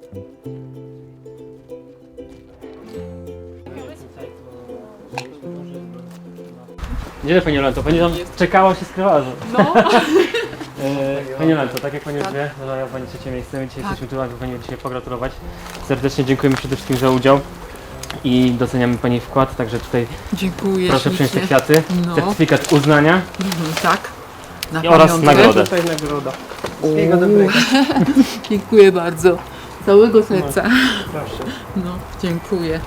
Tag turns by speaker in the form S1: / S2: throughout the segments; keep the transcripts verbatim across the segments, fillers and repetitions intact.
S1: Gdzie Pani Jolanto? Pani tam czekała, się skrywała.
S2: No.
S1: Pani Jolanto, tak jak Pani już wie, zajęła Pani trzecie miejsce. My dzisiaj
S2: Tak.
S1: jesteśmy tu, aby Pani dzisiaj pogratulować. Serdecznie dziękujemy przede wszystkim za udział i doceniamy Pani wkład, także tutaj
S2: Dziękuję.
S1: proszę przyjąć te
S2: ślicznie.
S1: kwiaty,
S2: No.
S1: certyfikat uznania
S2: Mhm, tak. Na
S1: i oraz
S2: pamiątkę.
S1: nagrodę.
S3: Tutaj nagroda. Wszystkiego dobrego.
S2: Dziękuję bardzo. Całego serca.
S3: Proszę.
S2: No, dziękuję.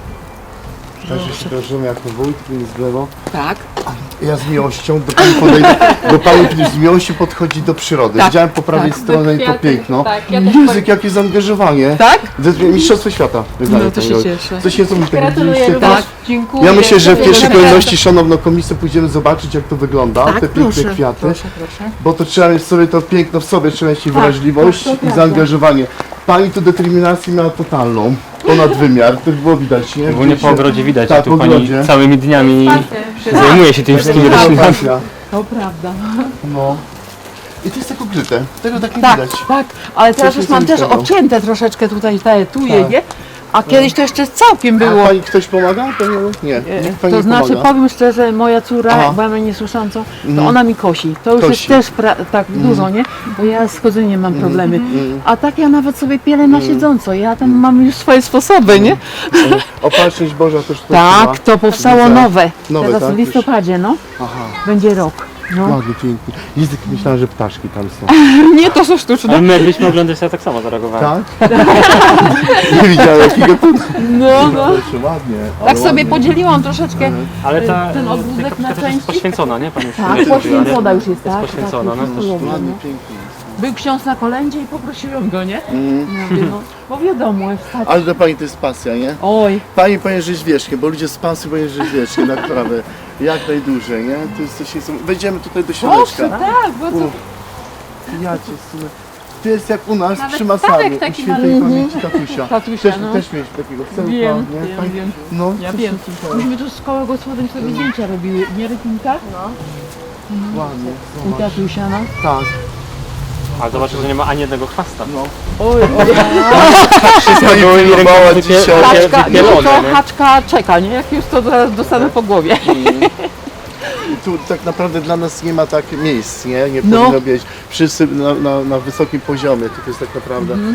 S4: Także się kojarzymy jako wójt, z lewo.
S2: Tak.
S4: Ja z miłością do pani podejdę, do pani z miłością podchodzi do przyrody.
S2: Tak,
S4: Widziałem po prawej
S2: tak.
S4: stronie to
S5: Kwiaty,
S4: piękno.
S5: tak, ja też
S4: Jezu, jakie zaangażowanie.
S2: Tak?
S4: Mistrzostwo świata. wydaje
S2: No to
S4: pani
S2: się
S4: Jolu.
S2: cieszę.
S4: Coś nieco mi tak
S5: Gratuluję
S4: widzieliście
S5: również.
S4: też?
S2: Tak, dziękuję.
S4: Ja myślę, że w pierwszej
S2: Dziękuję.
S4: kolejności, szanowną komisję, pójdziemy zobaczyć, jak to wygląda,
S2: Tak,
S4: te piękne
S2: proszę,
S4: kwiaty.
S2: proszę, proszę.
S4: Bo to trzeba mieć sobie to piękno w sobie, trzeba mieć i wrażliwość
S2: tak, to
S4: i
S2: prawda.
S4: zaangażowanie. Pani tu determinację miała totalną, ponad wymiar, to było widać, nie?
S1: Ogólnie po
S4: Widzieliście?
S1: ogrodzie widać,
S4: Tak,
S1: a tu
S4: po
S1: Pani
S4: ogrodzie.
S1: całymi dniami zajmuje się tymi wszystkimi
S4: Tak,
S1: roślinami.
S4: pasja.
S2: To prawda.
S4: No. I to jest tak ukryte, tego tak nie
S2: Tak,
S4: widać.
S2: tak. Ale teraz
S4: Coś
S2: już mam też
S4: niesamowitego.
S2: obcięte troszeczkę tutaj te tuje,
S4: Tak.
S2: nie? A kiedyś to jeszcze całkiem
S4: A
S2: było.
S4: pani ktoś pomaga? Pani... Nie, nikt pani
S2: To
S4: nie
S2: znaczy,
S4: pomaga.
S2: powiem szczerze, moja córa,
S4: Aha.
S2: bo ja mam niesłyszącą, to
S4: Mhm.
S2: ona mi kosi. To już
S4: Kosi.
S2: jest też pra- tak dużo, nie? Bo ja z chodzeniem mam problemy. A tak ja nawet sobie pielę na siedząco. Ja tam mam już swoje sposoby, nie?
S4: Opatrzność Boża też tu
S2: Tak,
S4: chyba.
S2: to powstało
S4: Widzę.
S2: nowe.
S4: Nowe,
S2: Teraz
S4: tak?
S2: w listopadzie, no.
S4: Aha,
S2: Będzie rok. No.
S4: ładnie, pięknie. Język, myślałem, że ptaszki tam są.
S2: Nie, to są sztuczne.
S1: Ale my jakbyśmy oglądać, to tak samo zareagowałem.
S4: Tak? Nie widziałem jakiego tu.
S2: No, no.
S4: Proszę, ładnie. ale
S2: Tak sobie
S4: ładnie.
S2: podzieliłam troszeczkę.
S1: Ale ta,
S2: Ten ogródek
S1: ta
S2: na
S1: kapka też jest
S2: części?
S1: poświęcona, nie? Pani już
S2: Tak,
S1: mówiła, nie?
S2: poświęcona już jest, tak?
S1: poświęcona,
S2: tak,
S1: no
S2: jest
S1: to
S2: cudowna,
S4: Ładnie,
S2: no.
S4: pięknie jest.
S2: Był ksiądz na kolędzie i poprosiłem go, nie?
S4: Mhm.
S2: Ja mówię, no, bo wiadomo, wstać.
S4: Ale dla pani to jest pasja, nie?
S2: Oj,
S4: Pani powinien żyć wiecznie, bo ludzie z pasji powinien żyć wiecznie, naprawdę. Jak najdłużej, nie? To jest coś niesamowitego. Wejdziemy tutaj do
S2: proszę,
S4: środeczka.
S2: tak, bo co?
S4: Uf. Ja cię sunę. To jest jak u nas
S5: Nawet
S4: przy Masarzu,
S5: Stawek
S4: u
S5: taki
S4: świętej
S2: malutki.
S4: pamięci tatusia.
S2: Tatusia,
S4: Też,
S2: no.
S4: też mieliśmy takiego wcelka,
S2: Wiem,
S4: nie?
S2: wiem,
S4: Fajnie.
S2: wiem.
S4: No,
S2: Ja
S4: coś
S2: wiem.
S4: super.
S2: Myśmy tu z szkoły gospodyń sobie zdjęcia robiły, nie Rytinka?
S4: Ładnie,
S2: U
S4: zobacz.
S2: tatusia, no.
S4: Tak,
S1: Ale zobaczę, że nie ma ani jednego chwasta.
S4: no.
S2: Oj, oj.
S1: Wszystko
S4: Pani
S1: były
S4: próbowała
S1: rękami
S4: dzisiaj.
S2: Haczka, no
S1: wypielone,
S2: to
S1: nie?
S2: haczka czeka, nie? Jak już to zaraz dostanę po głowie.
S4: I tu tak naprawdę dla nas nie ma tak miejsc, nie? Nie
S2: No.
S4: powinno być. Wszyscy na, na, na wysokim poziomie, to jest tak naprawdę.
S2: Mhm.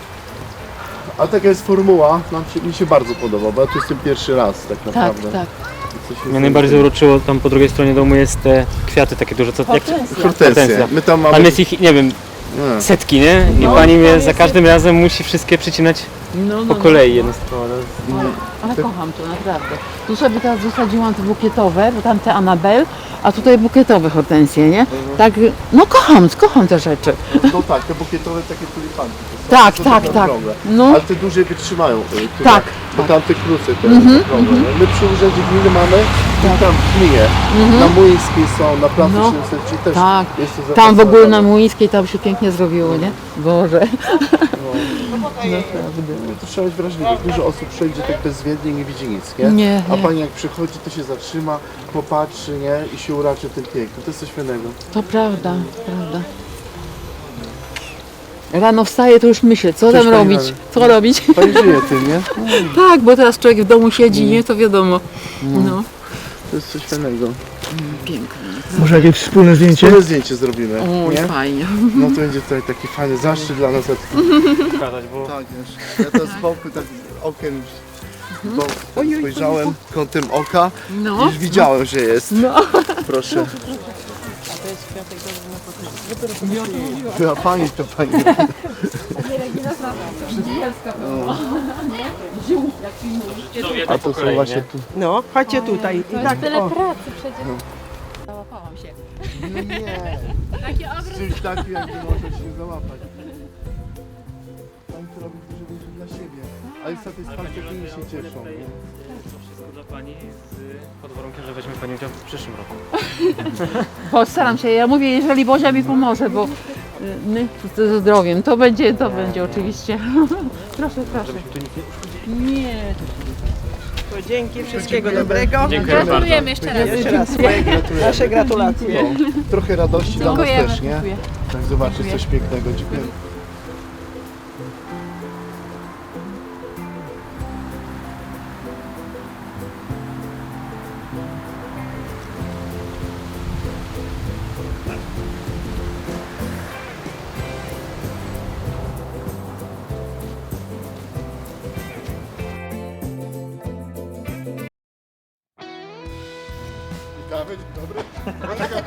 S4: A taka jest formuła, nam się, mi się bardzo podoba, bo ja tu jestem pierwszy raz tak
S2: Tak,
S4: naprawdę.
S2: tak.
S4: Coś
S1: Mnie najbardziej uroczyło tam po drugiej stronie domu jest te kwiaty takie duże, co jak
S2: Hortensja.
S4: Hortensje.
S1: Hortensja.
S4: My tam mamy...
S1: tam jest ich, nie wiem,
S4: Nie.
S1: setki, nie? I
S2: No,
S1: pani
S2: to
S1: mnie
S2: jest-
S1: za każdym razem musi wszystkie przycinać
S2: No, no,
S1: po
S2: no.
S1: kolei jednostkowo.
S2: Ale, ale kocham to naprawdę. Tu sobie teraz zasadziłam te bukietowe, bo tam te Anabel, a tutaj bukietowe hortensje, nie? Tak, no kocham, kocham te rzeczy.
S4: No tak, te bukietowe takie tulipanki. To są,
S2: Tak,
S4: to są
S2: tak,
S4: takie
S2: tak.
S4: okrągłe.
S2: No.
S4: Ale te duże wytrzymają. y, chyba.
S2: Tak,
S4: Bo
S2: tak.
S4: tam te krótce te
S2: Mhm,
S4: okrągłe. nie? My przy urzędzie gminy mamy i tam w gminie. Na Młyńskiej są, na placu
S2: Mhm. No.
S4: siedemset też
S2: Tak.
S4: jest to
S2: Tam w ogóle na
S4: zapracowane.
S2: Młyńskiej tam się pięknie zrobiło, nie? Boże.
S4: To trzeba być wrażliwy. Dużo osób przejdzie tak bezwiednie i nie widzi nic, nie?
S2: Nie,
S4: A
S2: nie.
S4: pani jak przychodzi, to się zatrzyma, popatrzy, nie? I się uraczy tym pięknem. To jest coś fajnego.
S2: To prawda, prawda. Rano wstaję, to już myślę, co
S4: Coś
S2: tam
S4: pani
S2: robić,
S4: robi.
S2: co robić.
S4: Pani żyje tym, nie?
S2: Tak, bo teraz człowiek w domu siedzi, nie? To wiadomo. No,
S4: To jest coś fajnego.
S2: piękne.
S3: Może jakieś wspólne zdjęcie?
S4: Wspólne zdjęcie zrobimy,
S2: Oj,
S4: nie?
S2: fajnie.
S4: No to będzie tutaj taki fajny zaszczyt dla nas.
S1: Pokazać, bo
S4: Tak, wiesz, ja to z boku tak okiem już bo spojrzałem kątem oka
S2: No.
S4: i już widziałem, że jest.
S2: No.
S4: Proszę. Była pani, to pani. A to są właśnie tu.
S3: No, chodźcie tutaj. I tak,
S5: Tyle
S3: o,
S5: pracy przecież.
S2: Załapałam się.
S4: No nie,
S5: Taki
S4: z
S5: ogród.
S4: czymś takim jak nie może się załapać. Pani to robi dużo więcej dla siebie, ale satysfakcję tymi się cieszą. nie?
S1: to wszystko dla pani z, pod warunkiem, że weźmie pani udział w przyszłym roku.
S2: Postaram się, ja mówię, jeżeli Bozia mi pomoże, bo y, my ze zdrowiem, to będzie, to będzie oczywiście. Proszę, proszę. Nie.
S3: to dzięki, wszystkiego dobrego.
S1: Dziękuję bardzo.
S5: Gratulujemy jeszcze raz.
S3: Jeszcze raz swoje nasze gratulacje.
S4: No, trochę radości dla nas
S5: Dziękujemy.
S4: też, nie?
S2: Dziękuję.
S4: Tak zobaczyć coś pięknego. Dziękuję.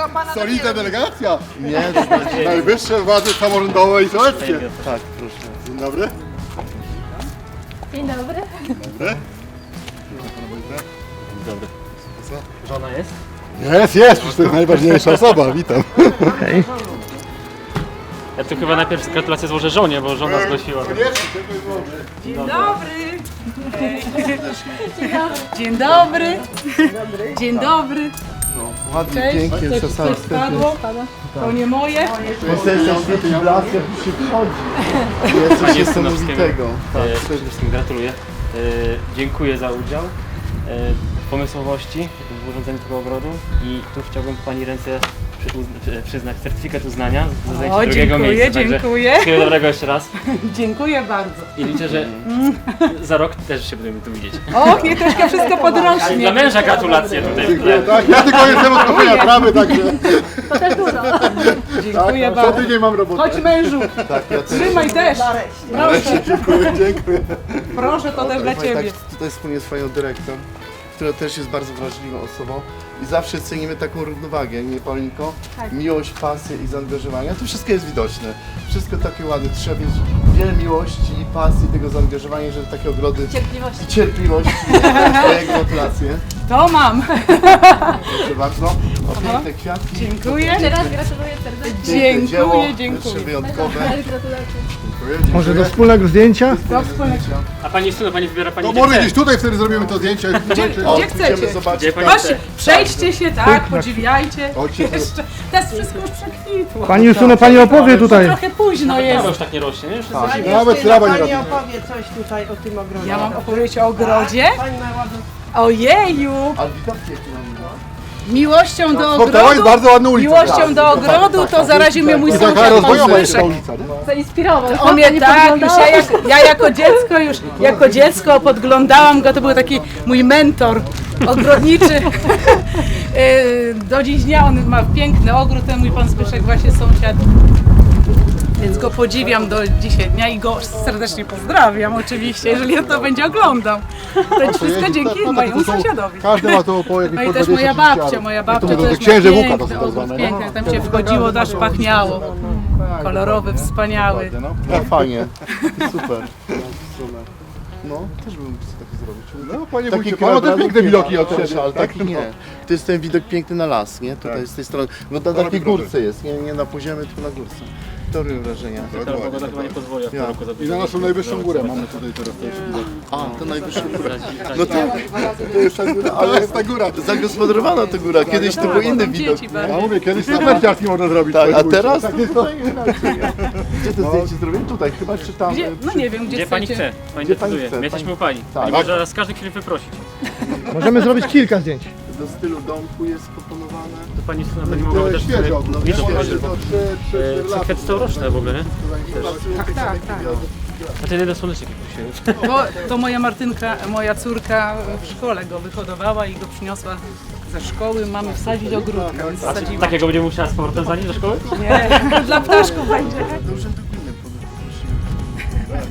S5: Solidna delegacja.
S4: Nie, to znaczy,
S5: Najwyższe władze samorządowe i sołeckie.
S4: tak, proszę.
S5: Dzień dobry.
S6: Dzień dobry.
S1: Dobry.
S5: Co?
S1: Żona jest?
S5: Jest, jest, przecież to jest najważniejsza osoba, witam.
S1: Ja tu chyba najpierw gratulacje złożę żonie, bo żona zgłosiła.
S2: Dzień dobry. Dzień dobry. Dzień dobry.
S4: No, ładnie,
S2: Cześć.
S4: pięknie,
S2: Coś,
S4: czasami
S2: coś spadło? To nie moje.
S4: Jesteś na świetny blask, jak tu się wchodzi. Jest coś
S1: Panie
S4: niesamowitego. Tak,
S1: E, Przede wszystkim gratuluję. E, Dziękuję za udział, e, pomysłowości w urządzeniu tego ogrodu i tu chciałbym Pani ręce przy, uzn- przyznać certyfikat uznania za zajęcie
S2: O,
S1: drugiego
S2: dziękuję,
S1: miejsca. Także
S2: dziękuję.
S1: wszystkiego dobrego jeszcze raz
S2: Dziękuję bardzo.
S1: i liczę, że za rok też się będziemy tu widzieć.
S2: Och, nie troszkę wszystko
S1: Dla
S2: podrośnie.
S1: męża gratulacje tutaj.
S5: Tak, ja tylko jestem od kochania trawy, także
S2: Dziękuję
S5: co
S2: bardzo.
S5: tydzień mam robotę.
S2: Chodź mężu,
S4: tak, ja też.
S2: trzymaj też. Proszę,
S5: Dziękuję, dziękuję.
S2: proszę, to też dla
S4: Powiem
S2: ciebie.
S4: Tak, tutaj wspólnie z Panią Dyrektor, która też jest bardzo wrażliwą osobą i zawsze cenimy taką równowagę, nie Paulinko? Miłość, pasję i zaangażowanie. To wszystko jest widoczne. Wszystko takie ładne. Trzeba mieć wiele miłości i pasji, tego zaangażowania, żeby takie ogrody...
S6: Cierpliwości.
S4: I cierpliwości. Moje gratulacje.
S2: To mam.
S4: Proszę bardzo. O piękne kwiatki.
S2: Dziękuję.
S6: Jeszcze raz gratuluję serdecznie.
S4: Piękne dzieło,
S2: Dziękuję, dziękuję.
S4: Jeszcze wyjątkowe.
S6: Gratulacje.
S3: Może do wspólnego zdjęcia?
S2: Do wspólnego.
S1: A Pani Suno, Pani wybiera Pani
S5: To
S1: gdzie
S5: może
S1: chce.
S5: gdzieś tutaj wtedy zrobimy to zdjęcie.
S2: Gdzie,
S4: O,
S2: gdzie
S4: pójdziemy
S2: chcecie?
S4: zobaczyć.
S1: Gdzie Pani
S2: Chodźcie,
S1: chce?
S2: przejdźcie się, tak, podziwiajcie.
S5: Chodźcie.
S2: Jeszcze, teraz wszystko już przekwitło.
S3: Pani Justyno, Pani opowie tutaj.
S2: Trochę późno
S1: Trawa
S2: jest.
S1: już tak nie rośnie, nie? Już jest
S3: Pani
S5: Nawet
S3: Justyna,
S5: trawa nie
S3: Pani
S5: robi.
S3: opowie coś tutaj o tym ogrodzie.
S2: Ja mam opowiedzieć o ogrodzie?
S3: Pani ma ładną...
S2: Ojeju!
S4: Ale widoki jakie mamy.
S2: Miłością do
S5: Spotkała jest
S2: ogrodu,
S5: bardzo ładna ulica.
S2: miłością do ogrodu to zaraził mnie mój
S5: I taka
S2: sąsiad pan
S5: rozwojowa jest ta
S2: Zbyszek.
S5: ulica. No.
S6: Zainspirował.
S2: On mnie tak, już ja, jak, ja jako dziecko już, jako dziecko podglądałam go, to był taki mój mentor ogrodniczy. Yy, Do dziś dnia on ma piękny ogród, ten mój pan Zbyszek właśnie sąsiad. Więc go podziwiam do dzisiaj dnia i go serdecznie pozdrawiam oczywiście, jeżeli on to będzie oglądał. To wszystko dzięki mojemu sąsiadowi.
S5: Każdy ma to po jakieś
S2: No i też moja babcia, moja babcia
S5: to
S2: też ma
S5: księże Łuka to
S2: piękny
S5: są tak
S2: ogród,
S5: zwane.
S2: piękny, tam się wchodziło, aż pachniało. Kolorowy, wspaniały.
S4: No fajnie. Super. No, też bym sobie taki zrobić.
S5: No panie
S4: Taki
S5: wójcie, pan ma te
S4: krajobraz
S5: piękne widoki od
S4: proszę,
S5: siebie.
S4: ale taki nie. To jest ten widok piękny na las, nie? Tutaj
S5: Tak.
S4: z tej strony. No na takiej górce jest, nie, nie na poziomie, tylko na górce. To robią wrażenia.
S1: Ta pogoda chyba nie pozwoli w tym
S4: Ja.
S1: roku
S5: I
S1: zrobić.
S5: na naszą najwyższą górę mamy tutaj teraz też widok.
S4: A, to najwyższa góra.
S1: No
S4: No tak, to jest ta góra,
S5: Ale
S4: ale
S5: jest ta góra.
S4: zagospodarowana ta góra. Kiedyś to był inny widok.
S2: Dzieci
S5: Ja
S2: bardzo.
S5: mówię, kiedyś na narciarski można zrobić.
S4: Tak,
S5: panie
S4: a
S5: wójcie.
S4: teraz
S5: Tak
S4: to
S5: jest to.
S4: zupełnie inaczej. Gdzie to zdjęcie zrobiłem? Tutaj, chyba czy tam?
S2: Gdzie? No nie wiem, gdzie,
S1: Gdzie Pani
S2: chcecie.
S1: chce? Pani
S4: Gdzie pani
S1: decyduje.
S4: chce?
S1: My jesteśmy
S4: Pani-
S1: u Pani.
S4: Tak.
S1: Pani może nas z każdej chwili wyprosić.
S3: Możemy zrobić kilka zdjęć.
S4: Do stylu domku jest proponowane.
S1: To Pani Suno będzie mogła
S5: To
S1: też
S5: świeżo.
S1: sobie
S5: No,
S1: widok
S5: świeżo.
S1: zobaczyć.
S5: To trzy, trzy,
S1: E,
S5: cztery
S1: Są
S5: lata.
S1: kwiaty całoroczne w ogóle, nie?
S2: Tak, tak, tak.
S1: A ten jeden słonecznik prosiłem.
S2: To, to moja Martynka, moja córka w szkole go wyhodowała i go przyniosła ze szkoły. Mamy wsadzić ogródkę, więc
S1: A czy
S2: wsadziła.
S1: takiego będzie musiała z powrotem zanieść do szkoły?
S2: Nie, dla ptaszków będzie.
S4: Do urzędu gminy poprosiłem.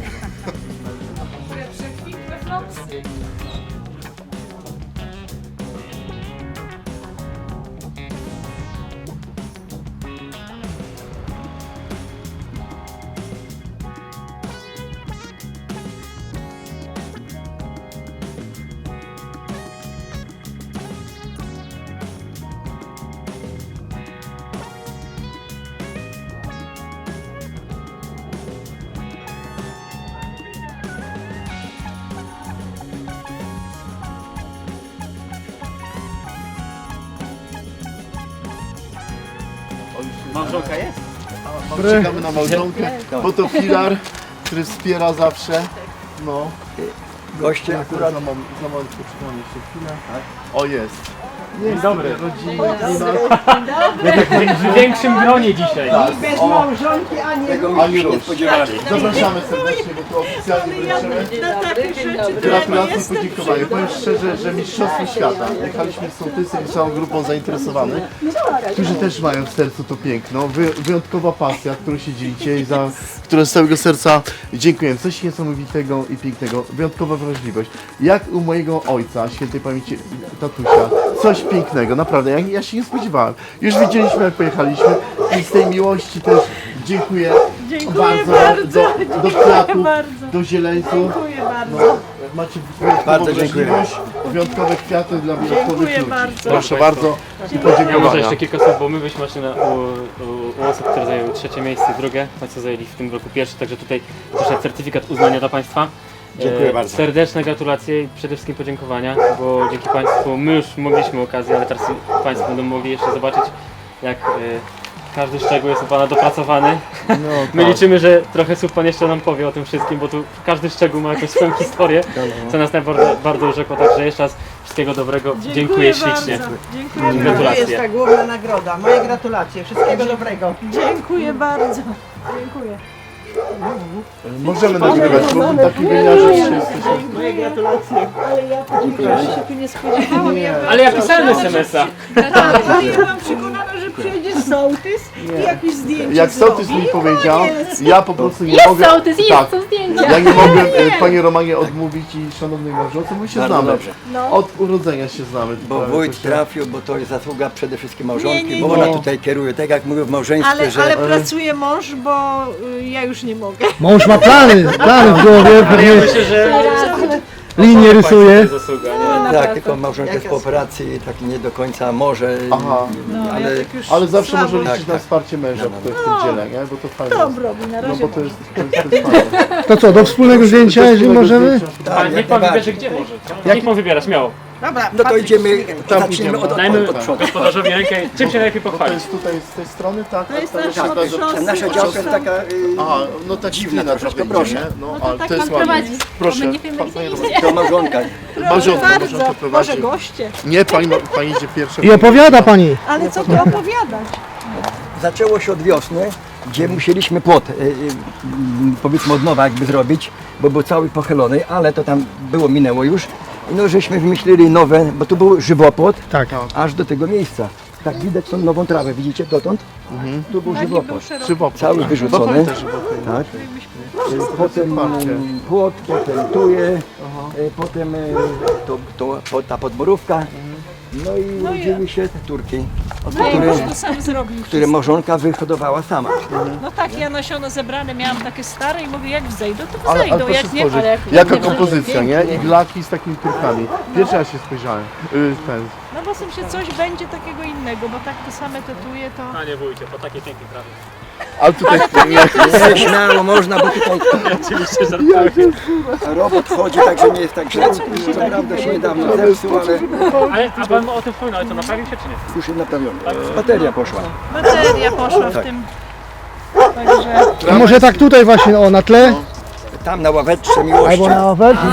S1: Małżonka jest?
S4: Czekamy na małżonkę, bo to filar, który wspiera zawsze. No. Goście akurat. Za, mom, za moment poczekamy jeszcze chwilę. O, jest.
S1: Dzień dobry.
S4: Rodziny.
S1: W większym gronie dzisiaj.
S3: Bez małżonki, ani
S4: Ani rusz. Zapraszamy serdecznie, bo tu oficjalnie wręczymy gratulacje i podziękowania. Powiem szczerze, że Mistrzostwo Świata. Jechaliśmy z sołtysem i całą grupą zainteresowanych, którzy też mają w sercu to piękno. Wy, wyjątkowa pasja, którą się dzielicie i za którą z całego serca dziękuję. Coś niesamowitego i pięknego. Wyjątkowa wrażliwość. Jak u mojego ojca, świętej pamięci tatusia, coś pięknego, naprawdę, ja, ja się nie spodziewałem. Już widzieliśmy, jak pojechaliśmy i z tej miłości też dziękuję,
S7: Dziękuję
S4: bardzo,
S7: bardzo,
S4: do, do
S7: dziękuję
S4: kwiatów,
S7: bardzo.
S4: do zieleńców.
S7: Dziękuję bardzo.
S4: No, macie wyjątkową
S8: Bardzo dziękuję.
S4: wrażliwość, wyjątkowe kwiaty dla wyjątkowych
S7: Dziękuję
S4: ludzi.
S7: bardzo.
S4: Proszę bardzo i
S1: Ja może
S4: podziękowania.
S1: jeszcze kilka słów, bo my byliśmy właśnie na, u, u, u osób, które zajęły trzecie miejsce i drugie, Państwo zajęli w tym roku pierwsze, także tutaj proszę certyfikat uznania dla Państwa.
S8: Dziękuję
S1: E,
S8: bardzo.
S1: Serdeczne gratulacje i przede wszystkim podziękowania, bo dzięki Państwu my już mogliśmy okazję, ale teraz Państwo będą mogli jeszcze zobaczyć, jak e, każdy szczegół jest u Pana dopracowany.
S4: No,
S1: My
S4: tak.
S1: liczymy, że trochę słów Pan jeszcze nam powie o tym wszystkim, bo tu każdy szczegół ma jakąś swoją historię, co nas najbardziej bardzo urzekło, także jeszcze raz wszystkiego dobrego, dziękuję, ślicznie.
S7: Bardzo. Dziękuję bardzo.
S1: Gratulacje.
S3: jest ta główna nagroda. Moje gratulacje. Wszystkiego dobrego.
S7: Dziękuję bardzo. Dziękuję.
S4: Możemy nagrywać, bo w takim wymiarze dzisiaj jesteśmy.
S3: Moje gratulacje.
S7: Ale ja to się tu nie spodziewałam. Ja
S1: Ale ja pisałem es em es a.
S7: ja byłam przekonana, że przyjedzie sołtys i jakieś zdjęcie
S4: Jak sołtys mi
S7: zrobi.
S4: powiedział,
S7: Koniec.
S4: ja po prostu nie
S6: Jest
S4: mogę...
S6: sołtys, jest,
S4: tak,
S6: są zdjęcia.
S4: ja nie mogłem e, Panie Romanie odmówić i szanownej małżonce, bo się
S8: Bardzo
S4: znamy.
S8: dobrze.
S7: No.
S4: Od urodzenia się znamy.
S8: Bo
S4: Prawie
S8: wójt
S4: to się-
S8: trafił, bo to jest zasługa przede wszystkim
S7: Nie,
S8: małżonki,
S7: nie,
S8: bo
S4: nie.
S8: ona tutaj kieruje, tak jak mówię w małżeństwie,
S7: Ale,
S8: że
S7: ale pracuje mąż, bo y, ja już nie mogę.
S3: Mąż ma plany, plany w głowie, pewnie
S1: Myślę, że
S3: linię rysuje.
S1: zasługa, nie?
S8: tak, tylko małżonka jest po operacji, tak nie do końca może,
S4: Aha.
S8: ale
S4: Ale zawsze
S7: Słabo.
S4: może liczyć
S8: Tak,
S4: na
S8: tak.
S4: wsparcie męża w tym w tym dziele, nie? Bo to fajne.
S7: To robi na
S4: No
S7: razie.
S4: bo to jest, to jest, to jest fajne.
S3: To co, do wspólnego zdjęcia, jeżeli możemy?
S8: tak,
S1: Pan, niech
S8: jak
S1: Pan wybierze
S8: najbardziej.
S1: gdzie może. Niech Pan wybiera, śmiało.
S3: Dobra,
S8: No to idziemy,
S4: Tam
S8: zaczniemy
S4: idziemy.
S8: od, od,
S1: Dajmy
S8: od przodu.
S1: gospodarzowi rękę, czym się najlepiej
S4: To
S1: pochwalić.
S4: jest tutaj z tej strony, tak?
S7: To jest
S4: tak,
S7: nasza
S4: tak, tak,
S7: od szosy,
S8: Nasza
S7: od
S8: działka jest taka, y,
S4: Aha, no tak
S8: dziwna
S4: dziwna
S8: troszkę,
S4: troszkę,
S8: proszę.
S4: proszę. No,
S6: to
S4: ale
S6: tak
S4: to jest
S6: pan
S4: ładnie.
S6: prowadzi,
S4: Proszę,
S6: bo my nie wiemy,
S4: pan,
S6: gdzie
S4: panie
S6: idzie.
S4: Roman.
S8: to małżonka.
S4: Małżonka,
S7: Bardzo,
S4: małżonka
S7: może
S4: prowadzi.
S7: goście.
S4: Nie, pani, pani idzie pierwsza.
S3: I opowiada pani.
S7: Ale co tu opowiadać?
S8: Zaczęło się od wiosny, gdzie musieliśmy płot, y, y, m, powiedzmy od nowa jakby zrobić, bo był cały pochylony, ale to tam było, minęło już. No żeśmy wymyślili nowe, bo tu był żywopłot,
S3: Tak.
S8: aż do tego miejsca. Tak widać tą nową trawę, widzicie dotąd? Tu był żywopłot.
S4: Żywopłot.
S8: Cały wyrzucony.
S4: Też żywopłot.
S8: Tak. Y, Potem mm, płot, potem tuje, y, potem y, to, to, to, ta podborówka. No i urodziły się te turki, które,
S7: To sam zrobił.
S8: które małżonka wyhodowała sama.
S7: No tak, ja nasiono zebrane miałam takie stare i mówię, jak wzejdą, to
S4: Ale, ale
S7: wzejdą,
S4: proszę
S7: jak nie,
S4: spojrzeć,
S7: ale jak
S4: jaka
S7: nie, to
S4: kompozycja, nie? Iglaki z takimi turkami. Pierwszy raz się spojrzałem. Y, ten.
S7: No bo są się coś będzie takiego innego, bo tak to same tetuje to...
S1: Panie wójcie, po takiej pięknej prawie.
S4: Ale tutaj nie,
S8: Nie, śmiało można, bo tutaj
S1: Oczywiście żartuję.
S8: robot chodzi, także nie jest tak źle. Co prawda się niedawno zepsuł, ale
S1: Ale a Pan o tym wspominał, ale to naprawił się czy nie?
S8: już jest naprawiony. Bateria poszła.
S7: Bateria poszła w tym... Także...
S3: A może tak tutaj właśnie, o, na tle?
S8: Tam na ławeczce miłości.
S3: Albo na ofercie?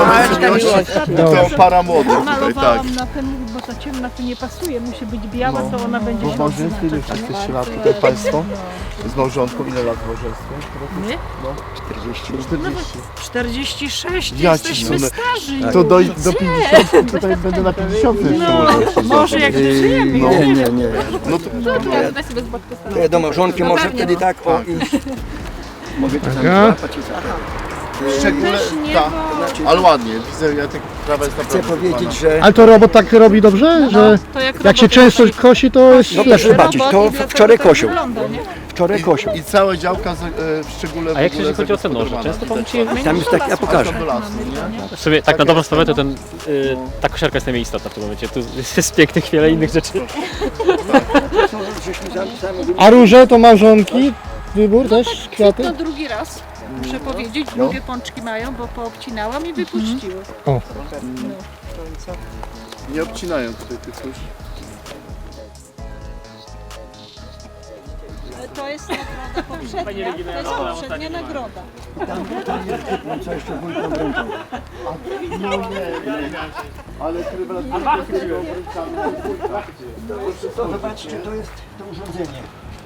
S4: to para młodych tutaj, tak.
S7: Malowałam na ten, bo ta ciemna tu nie pasuje, musi być biała, to ona będzie
S4: Bo w
S7: się
S4: małżeństwie ile już jesteście lat tutaj Państwo? Z małżonką ile lat w małżeństwie?
S7: My?
S8: czterdzieści.
S4: czterdzieści.
S7: czterdzieści sześć,
S4: Ja
S7: jesteśmy
S4: ci
S7: starzy.
S4: To do, do pięćdziesiątki tutaj będę na pięćdziesiątce jeszcze
S7: No,
S4: może.
S7: może jak dożyjemy.
S8: Yy, nie, nie, nie.
S4: No to,
S6: Daj sobie z boku
S8: To ja do małżonki może wtedy tak o iść. Mogę to tam
S3: Taka.
S8: złapać i tak.
S4: w szczególe,
S7: Też nie,
S4: tak,
S7: bo...
S4: ale ładnie, widzę, ja tak prawa jest
S8: Chcę
S4: naprawdę
S8: powiedzieć,
S4: fajna.
S8: że
S3: Ale to robot tak robi dobrze, że
S7: To jak,
S3: jak się
S7: robot
S3: często
S7: robi-
S3: kosi, to jest
S8: No proszę
S3: lepsze.
S8: zobaczyć, to
S7: robot i dlatego
S8: wczoraj
S7: tak
S8: kosił.
S7: wygląda, nie?
S8: Wczoraj kosił.
S4: I całe działka, za- e, w szczególe
S1: A jak
S4: w ogóle
S1: jeśli chodzi o te noże?
S4: zagospodarowana.
S1: Często Pan
S4: Widać,
S1: musi...
S8: Tam jest tak, ja pokażę.
S4: do lasu, nie?
S1: W sobie tak na dobrą sprawę to ten, y, ta kosiarka jest najmniej istotna w tym momencie. Tu jest pięknych wiele innych rzeczy.
S3: A róże to małżonki? Wybór też? Kwiaty?
S7: To drugi raz, muszę powiedzieć, drugie pączki mają, bo poobcinałam i wypuściły.
S3: O.
S4: Nie obcinają tutaj tych już.
S7: To jest nagroda poprzednia, to jest poprzednia nagroda.
S8: Co jeszcze wójtom ręką?
S4: Ale rewelacyjnie takiego obręczamy.
S8: To zobaczcie, to jest to urządzenie.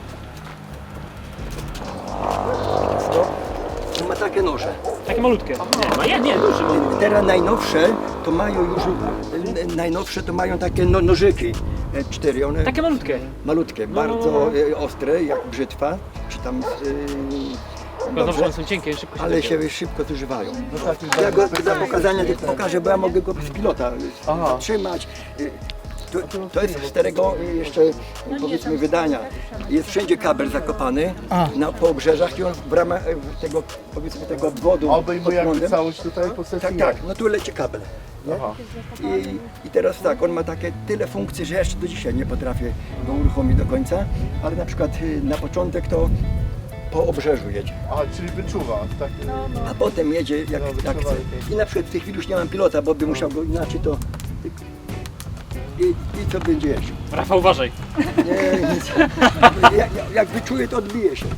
S8: To ma takie noże.
S1: Takie malutkie. Nie, nie, nie, duże.
S8: Teraz najnowsze to mają już, najnowsze to mają takie no, nożyki. E, Cztery, one
S1: Takie malutkie.
S8: malutkie, bardzo e, ostre, jak brzytwa, czy tam... E,
S1: Dobrze,
S8: dobrze,
S1: one są cienkie, szybko się
S8: ale
S1: zabiją.
S8: się szybko zużywają. Ja go dla pokazania tylko pokażę, bo ja mogę go z pilota
S4: Aha.
S8: trzymać. E, To, to jest starego y, jeszcze powiedzmy wydania. Jest wszędzie kabel zakopany na, po obrzeżach i on w ramach y, tego powiedzmy tego obwodu
S4: A obejmuje
S8: pod
S4: jakby
S8: prądem.
S4: całość tutaj postaci?
S8: Tak, tak, no tu leci kabel. Nie?
S4: Aha.
S8: I, I teraz tak, on ma takie tyle funkcji, że ja jeszcze do dzisiaj nie potrafię go uruchomić do końca, ale na przykład y, na początek to po obrzeżu jedzie,
S4: A, czyli wyczuwa, tak?
S8: a potem jedzie jak,
S4: No,
S8: jak
S4: wyczuwa
S8: chce.
S4: lepiej.
S8: I na przykład w tej chwili już nie mam pilota, bo bym musiał go inaczej to... I, i co będzie jeździł?
S1: Rafał, uważaj.
S8: Nie, nic. Jak, jak wyczuje, to odbije się.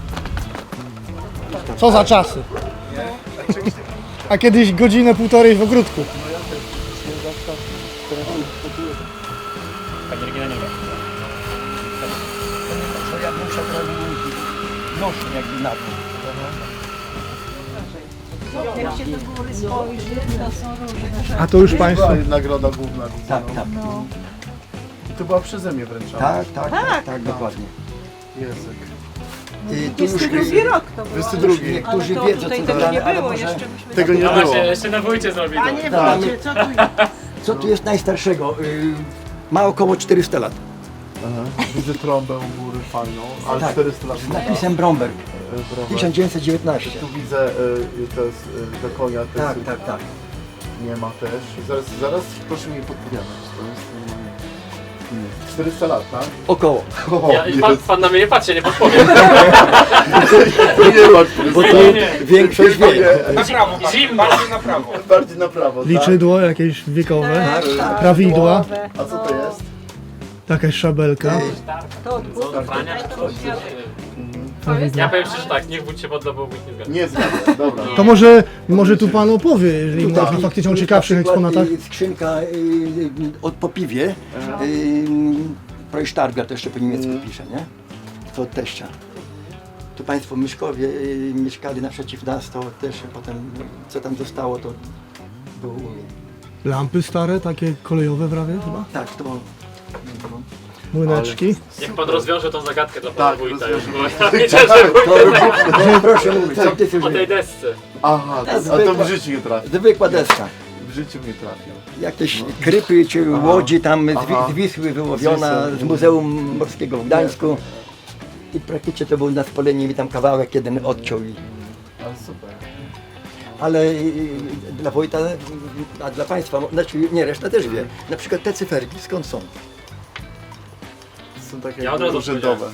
S3: Co za czasy. A kiedyś godzinę, półtorej w ogródku.
S1: Panie Regina, nie wiem.
S8: To ja bym musiał noszę jakby na to.
S7: Jak się do góry spojrzy, to są różne.
S3: A to już Państwo.
S4: Była nagroda główna.
S8: Tak, tak.
S4: I to była przeze mnie wręczona.
S8: Tak, tak, tak, tak, dokładnie.
S4: Język.
S8: I tu już
S7: Drugi rok to było.
S4: dwudziesty drugi.
S8: niektórzy
S7: to
S8: wiedzą,
S7: tutaj
S8: co
S7: tego
S8: to
S7: nie
S8: ale
S7: było,
S8: może...
S7: jeszcze myśmy...
S4: Tego nie
S1: No
S4: było.
S1: właśnie, jeszcze na wójcie zrobili.
S7: A nie
S8: Tak.
S7: wiecie, co tu
S8: Co tu jest najstarszego? Y, Ma około czterysta lat.
S4: Aha. Widzę trąbę u góry fajną, ale
S8: Tak.
S4: czterysta lat.
S8: Z napisem Bromberg.
S4: Browar.
S8: tysiąc dziewięćset dziewiętnaście.
S4: Tu widzę, y, to jest y, do konia, to
S8: Tak,
S4: jest,
S8: tak, tak.
S4: nie ma też. Zaraz, zaraz proszę mi podpowiadać. To jest normalnie. Nie. czterysta lat, tak?
S8: Około.
S4: O,
S1: Ja, pan,
S4: jest.
S1: pan na mnie nie patrzy, nie podpowiem.
S4: To nie ma
S8: Bo to
S1: Nie, nie.
S8: większość wie.
S1: Zimno.
S4: bardziej na prawo, tak?
S3: Liczydło jakieś wiekowe,
S8: Tak, tak.
S3: prawidła,
S4: A co to jest?
S3: jakaś szabelka.
S1: Ja powiem szczerze tak, niech wójt się podda, bo wójt nie zgadza.
S4: Nie zgadzam, dobra.
S3: To może, może tu Pan opowie, jeżeli
S8: Tutaj.
S3: ma faktycznie o
S8: Tu
S3: ciekawszych
S8: na przykład,
S3: eksponatach.
S8: y, Skrzynka y, y, od po piwie. Y, Projsztarga to jeszcze po niemiecku pisze, nie? To od teścia. Tu Państwo Myszkowie y, mieszkali naprzeciw nas, to też potem co tam zostało, to było u mnie.
S3: Lampy stare, takie kolejowe prawie chyba.
S8: Tak, to
S3: Młyneczki.
S1: Jak pan rozwiąże tą zagadkę dla pana
S4: Tak,
S1: wójta już,
S4: rozwiążę.
S1: bo ja widzę, że
S8: to, proszę mówić, co ty
S1: po tej
S8: już
S1: desce.
S4: Aha, a to
S8: zwykła-
S4: w życiu nie trafił.
S8: Zwykła deska.
S4: W życiu nie trafił.
S8: Jakieś krypy czy łodzi tam z,
S4: Aha.
S8: Wi- z Wisły wyłowiona z Muzeum Morskiego w Gdańsku. I praktycznie to był na spalenie mi tam kawałek jeden odciął. I,
S4: Ale super.
S8: ale y, dla wojta, y, a dla Państwa, znaczy nie, reszta też wie. Na przykład te cyferki, skąd są?
S4: Są takie
S1: Ja od razu
S4: urzędowe.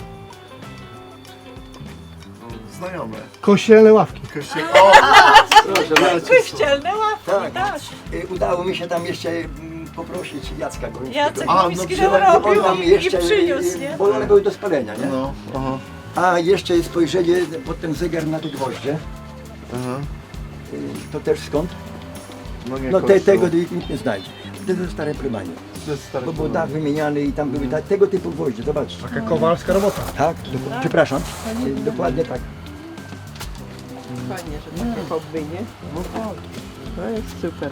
S4: Znajome.
S3: Kościelne ławki.
S4: Kościół. O!
S8: Proszę bardzo.
S7: Kościelne ławki,
S8: Tak.
S7: tak.
S8: Y, Udało mi się tam jeszcze mm, poprosić Jacka Gońskiego.
S7: Jacek
S4: A, no
S7: Goński
S4: przecież
S7: nam
S8: On
S7: robił
S8: tam
S7: i,
S8: jeszcze,
S7: i przyniósł,
S8: y,
S7: nie?
S8: bo one były do spalenia, nie?
S4: No, aha,
S8: A jeszcze jest spojrzenie pod ten zegar na te gwoździe.
S4: aha.
S8: Y, To też skąd?
S4: No nie
S8: No te,
S4: kościół.
S8: tego nikt nie znajdzie. To jest stare prymanie.
S4: To jest stary
S8: Bo był
S4: problem.
S8: dach wymieniany i tam były ta, tego typu gwoździe, zobaczcie.
S3: Taka kowalska robota.
S8: Tak, do, przepraszam, y, dokładnie tak.
S9: Fajnie, że takie hobby, nie? To jest super.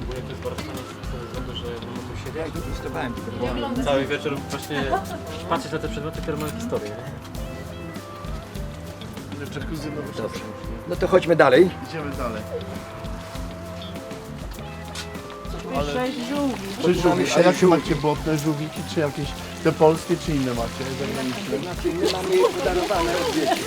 S8: Ja ich testowałem tylko.
S1: Cały wieczór właśnie patrzeć na te przedmioty, które mają historię.
S4: Jacuzzi nowoczesne.
S8: Dobrze. No to chodźmy dalej.
S4: Idziemy dalej.
S7: Sześć żółwi.
S4: Czy żółwi? A jakie macie błotne żółwiki? Czy jakieś te polskie, czy inne macie? Zagraniczne?
S8: Znaczy, my mamy je podarowane od dzieci.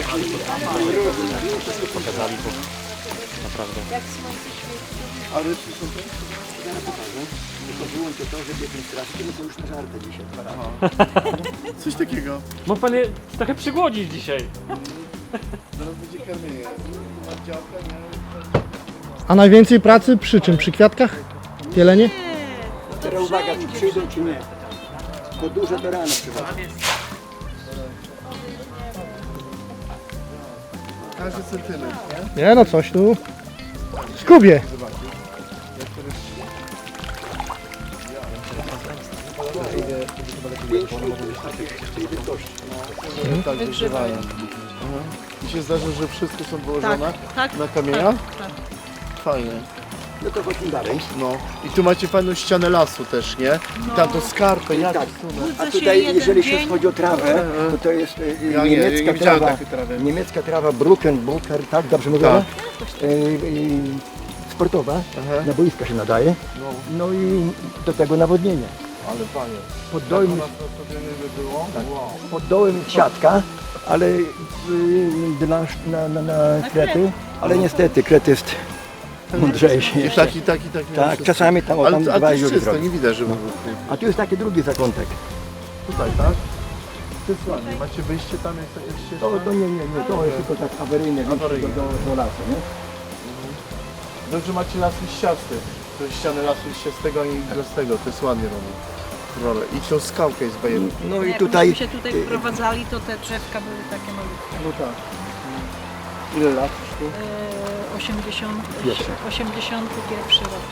S1: Pokazali, bo naprawdę.
S4: A rybki są te?
S8: Tylko wyłączę to, że biegnie strasznie, no to już na żartę dzisiaj. dwa razy.
S4: Coś takiego.
S1: Mógł pan je trochę przygłodzić dzisiaj.
S4: Zaraz będzie karmienie. Działka, nie?
S3: A najwięcej pracy przy czym? Przy kwiatkach? Jelenie?
S8: Teraz uwaga, czy przyjdą, czy nie. To duże to rano przychodzą.
S4: Każdy centymetr, nie?
S3: Nie no, coś tu. Skubie.
S4: Tak, wygrzewają. Aha. I się zdarza, że wszystko są wyłożone
S7: tak,
S4: na kamieniach?
S7: tak.
S4: Fajnie.
S8: No to chodźmy dalej.
S4: No. I tu macie fajną ścianę lasu też, nie? I tam to skarpę, jak
S8: Tak.
S7: Budzę
S8: A
S7: się
S8: tutaj,
S7: jeden
S8: jeżeli
S7: dzień.
S8: się chodzi o trawę, to to jest e,
S4: Ja nie, ja
S8: niemiecka
S4: nie widziałem
S8: trawa.
S4: takiej trawy.
S8: Niemiecka trawa Bruckenbucker, tak? Dobrze mówię?
S4: Tak.
S8: E, e, sportowa,
S4: Aha.
S8: na boiska się nadaje. No i do tego nawodnienia.
S4: Ale panie,
S8: Pod dołem,
S4: to by było? Wow.
S8: pod dołem siatka, ale y, dla, na, na, na krety, ale niestety kret jest mądrzejszy
S4: I
S8: jeszcze.
S4: taki, taki, taki.
S8: Tak, czasami tam, o, tam
S4: Ale, ale
S8: dwa
S4: to jest
S8: dziury
S4: czysto,
S8: zrobi.
S4: nie widać, żeby...
S8: A tu jest taki drugi zakątek.
S4: Tutaj, tak? To jest ładnie. Macie wyjście tam, jak takie ścieżka?
S8: To, to nie, nie, nie, to jest tylko tak awaryjne, wyjście do,
S4: Awaryjne.
S8: do, do lasu, nie?
S4: Dobrze macie las liściasty. To jest ściany lasu liściastego, a nie iglastego. To jest ładnie robione. Rolę. I tą skałkę jest bajerą.
S8: No i
S7: Jak
S8: tutaj,
S7: myśmy się tutaj wprowadzali, to te drzewka były takie malutkie.
S4: No tak. Ile lat już tu?
S7: E, osiemdziesiąt,
S8: Pierwszy.
S7: osiemdziesiąty pierwszy rok.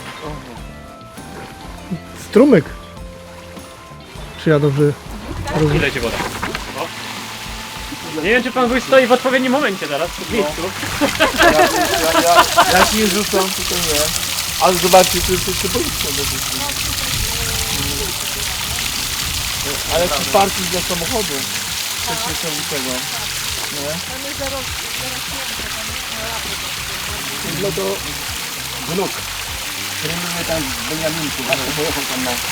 S3: Strumyk. Czy ja dobrze...
S1: I leci woda. O. Nie wiem, czy pan wuj stoi w odpowiednim momencie teraz, w miejscu.
S4: Ja, ja, ja, ja się nie rzucam, tylko nie. Ale zobaczcie, tu jesteście policja do dzieci. Ale tu parking dla samochodu. Też nie są tego. Nie?
S8: no to wnuk. Trenuje tam w Beniaminku, właśnie pojechał tam na...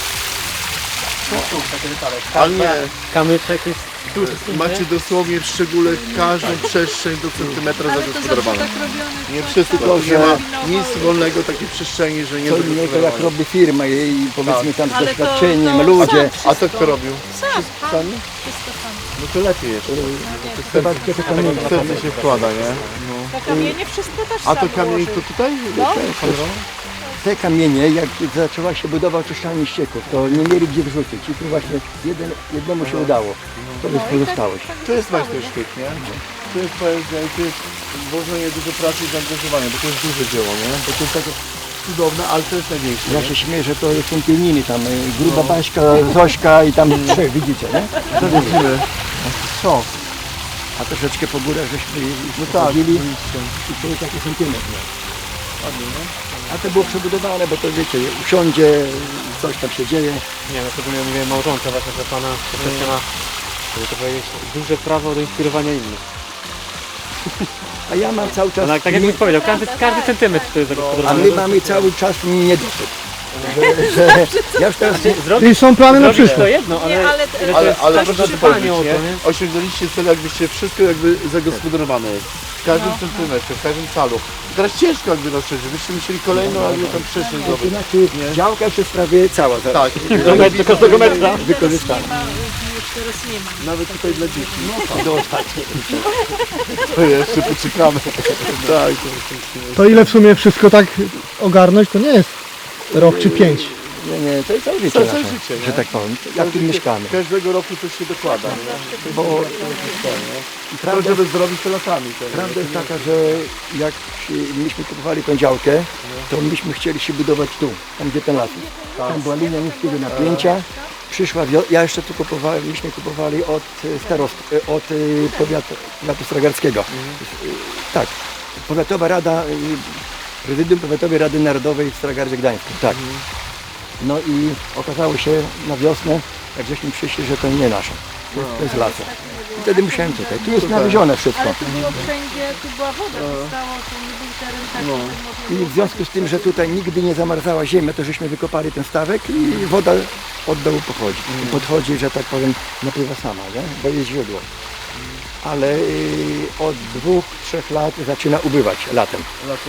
S4: Ale nie.
S1: Kamyczek jest duży.
S4: Macie dosłownie w szczególe każdą przestrzeń do centymetra
S7: Ale to zawsze
S4: zagospodarowaną.
S7: tak robione.
S4: Nie wszyscy to, nie ma nic wolnego takiej przestrzeni, że nie
S8: To nie to jak
S4: zagospodarowane.
S8: robi firma i powiedzmy tam z
S7: Ale to-
S8: doświadczeniem,
S7: to
S8: ludzie.
S7: sam
S4: A to kto robił?
S7: Sam,
S4: Sami?
S7: wszystko sam.
S4: No to lepiej jeszcze.
S8: Chyba kiedy to nie ma.
S4: Serce się wkłada, nie?
S7: Te kamienie wszystko też
S4: A to
S7: sam
S4: kamień
S7: ułożył.
S4: to tutaj?
S7: No.
S8: Te kamienie, jak zaczęła się budowa oczyszczalni ścieków, to nie mieli gdzie wrzucić i tu właśnie jeden, jednemu się udało. To jest pozostałość.
S4: To jest majstersztyk, nie? To jest poezja i to jest włożenie dużo pracy i zaangażowania, bo to jest duże dzieło, nie? Bo to jest takie cudowne, ale to jest największe.
S8: Ja się śmieję, że to są pieniny tam, y, gruba Baśka, Zośka i tam trzech, widzicie, nie?
S4: To widzimy. Co?
S8: A troszeczkę po górach żeśmy
S4: No tak,
S8: chodzili
S4: oczywiście.
S8: i to jest taki sentymetr. A to było przebudowane, bo to wiecie, usiądzie, coś tam się dzieje.
S1: Nie, no to bym ja mówię małżonka właśnie, że pana troszeczkę ma, żeby to powiedzieć, duże prawo do inspirowania innych.
S8: A ja mam cały czas...
S1: Ale tak jak
S8: nie-
S1: mi powiedział, każdy, każdy centymetr to jest
S8: A
S1: zagospodarowany.
S8: my mamy cały czas niedosyt. Że, że ja już teraz nie,
S1: Zrobić,
S3: I są plany na
S1: zrobić to
S3: przyszłość.
S1: jedno, ale,
S7: Nie, ale-
S1: ale, to
S4: Ale,
S1: jest
S4: ale
S1: tak
S4: proszę
S1: dbanie
S4: powiedzieć,
S1: o
S4: nie?
S1: to, nie?
S4: Osiągnęliście cel, jakbyście wszystko jakby zagospodarowane jest. W każdym centymetrze, w każdym calu. Teraz ciężko jakby na szczerze, byście musieli kolejną jakby tam przestrzeń
S8: to
S4: zrobić.
S8: znaczy działka już jest prawie cała zaraz.
S4: Tak,
S1: Do, met- do każdego metra.
S8: Wykorzystana.
S7: Nie ma, już teraz nie ma.
S4: nawet tutaj dla dzieci.
S8: Do ostatniej.
S4: To jeszcze poczekamy. Tak, to
S3: To ile w sumie wszystko tak ogarnąć, to nie jest rok czy pięć.
S8: Nie, nie, to jest całe życie
S4: Całe
S8: nasze,
S4: życie, nie?
S8: że tak powiem. Jak tu mieszkamy.
S4: Każdego roku coś się dokłada. Nie?
S8: Bo
S4: To,
S8: prawda,
S4: żeby zrobić to latami. To,
S8: prawda jest taka, że jak się- myśmy kupowali tą działkę, to myśmy chcieli się budować tu, tam gdzie ten las jest. Tam była linia niskiego napięcia. Przyszła wio- ja jeszcze tu kupowałem, myśmy kupowali od e, starost, e, od e, powiatu, powiatu stragarskiego. E, Tak, Powiatowa Rada, e, Prezydium Powiatowej Rady Narodowej w Stragardzie Gdańskim, tak. No i okazało się na wiosnę, jak żeśmy przyszli, że to nie nasze, to, to jest lasu. I wtedy musiałem tutaj, tu jest nawiezione wszystko.
S7: Ale tu było wszędzie, tu była woda, to stało, to nie był teren taki,
S4: No.
S7: że można
S8: I
S7: było
S8: w związku z tym, że tutaj nigdy nie zamarzała ziemia, to żeśmy wykopali ten stawek i woda od dołu pochodzi. I podchodzi, że tak powiem, napływa sama, nie? Bo jest źródło. Ale y, od dwóch, trzech lat zaczyna ubywać latem.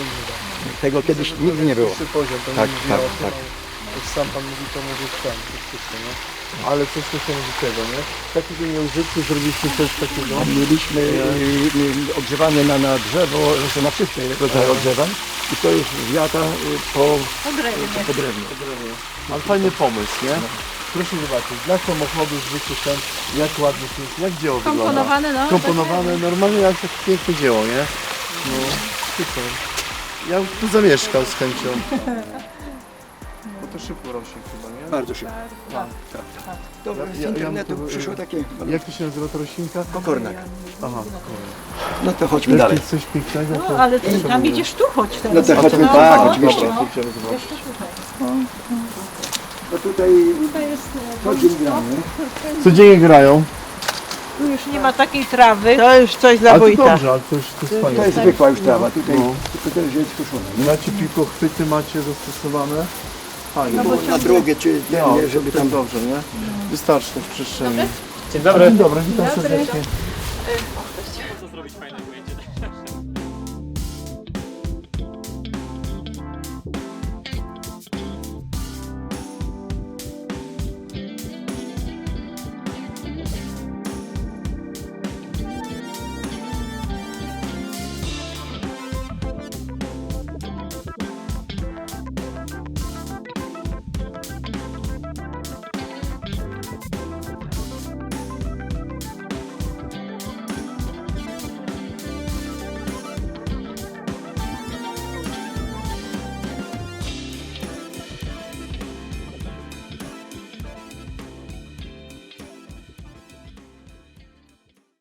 S8: Tego kiedyś nigdy nie było.
S4: Wyższy poziom, to
S8: Tak,
S4: nie
S8: tak,
S4: brzmiało,
S8: tak.
S4: Jak sam pan mówi, to może sam, to wszystko, nie? Ale coś niesamowitego, nie? Takiego nieużytku zrobiliśmy coś takiego.
S8: Mieliśmy y, y, ogrzewanie na, na drzewo, zresztą na wszystkie rodzaje ogrzewań i to już wiata y, po,
S7: po drewnie.
S8: po drewnie.
S4: Ale fajny pomysł, nie? Proszę zobaczyć, dla samochodu zwykły ten, jak ładnie to jest, jak dzieło wygląda.
S7: Komponowane, no.
S4: Komponowane, normalnie jak takie piękne dzieło, nie? No, super. Ja bym tu zamieszkał z chęcią. Bo to szybko rośnie chyba, nie?
S8: Bardzo szybko. Dobra, z
S4: Ja- ja-
S8: internetu
S4: ja-
S8: przyszło takie
S4: Jak to się nazywa ta roślinka?
S8: kokornak.
S4: Aha.
S8: No to chodźmy
S4: Jak
S8: dalej.
S4: jest coś pięknego, to...
S7: No, ale ty tam idziesz tu, chodź teraz.
S8: No to chodźmy,
S7: No,
S8: tak,
S7: no,
S8: oczywiście.
S4: Dobra, to idziemy zobaczyć.
S8: No tutaj
S7: Tutaj jest,
S8: co dzień gramy.
S4: Codziennie grają.
S7: tu już nie ma takiej trawy.
S9: To już coś dla
S4: Ale to
S9: wójta.
S4: dobrze, ale to jest, to jest
S8: To
S4: fajne.
S8: jest zwykła już trawa, tutaj
S4: No.
S8: tylko też jest skuszona.
S4: Macie piłkochwyty, macie zastosowane. Fajnie.
S8: Na drogę, czy
S4: No,
S8: nie, żeby tam...
S4: dobrze, nie? Wystarczy w przestrzeni.
S1: Dzień dobry.
S4: Dzień dobry, witam serdecznie.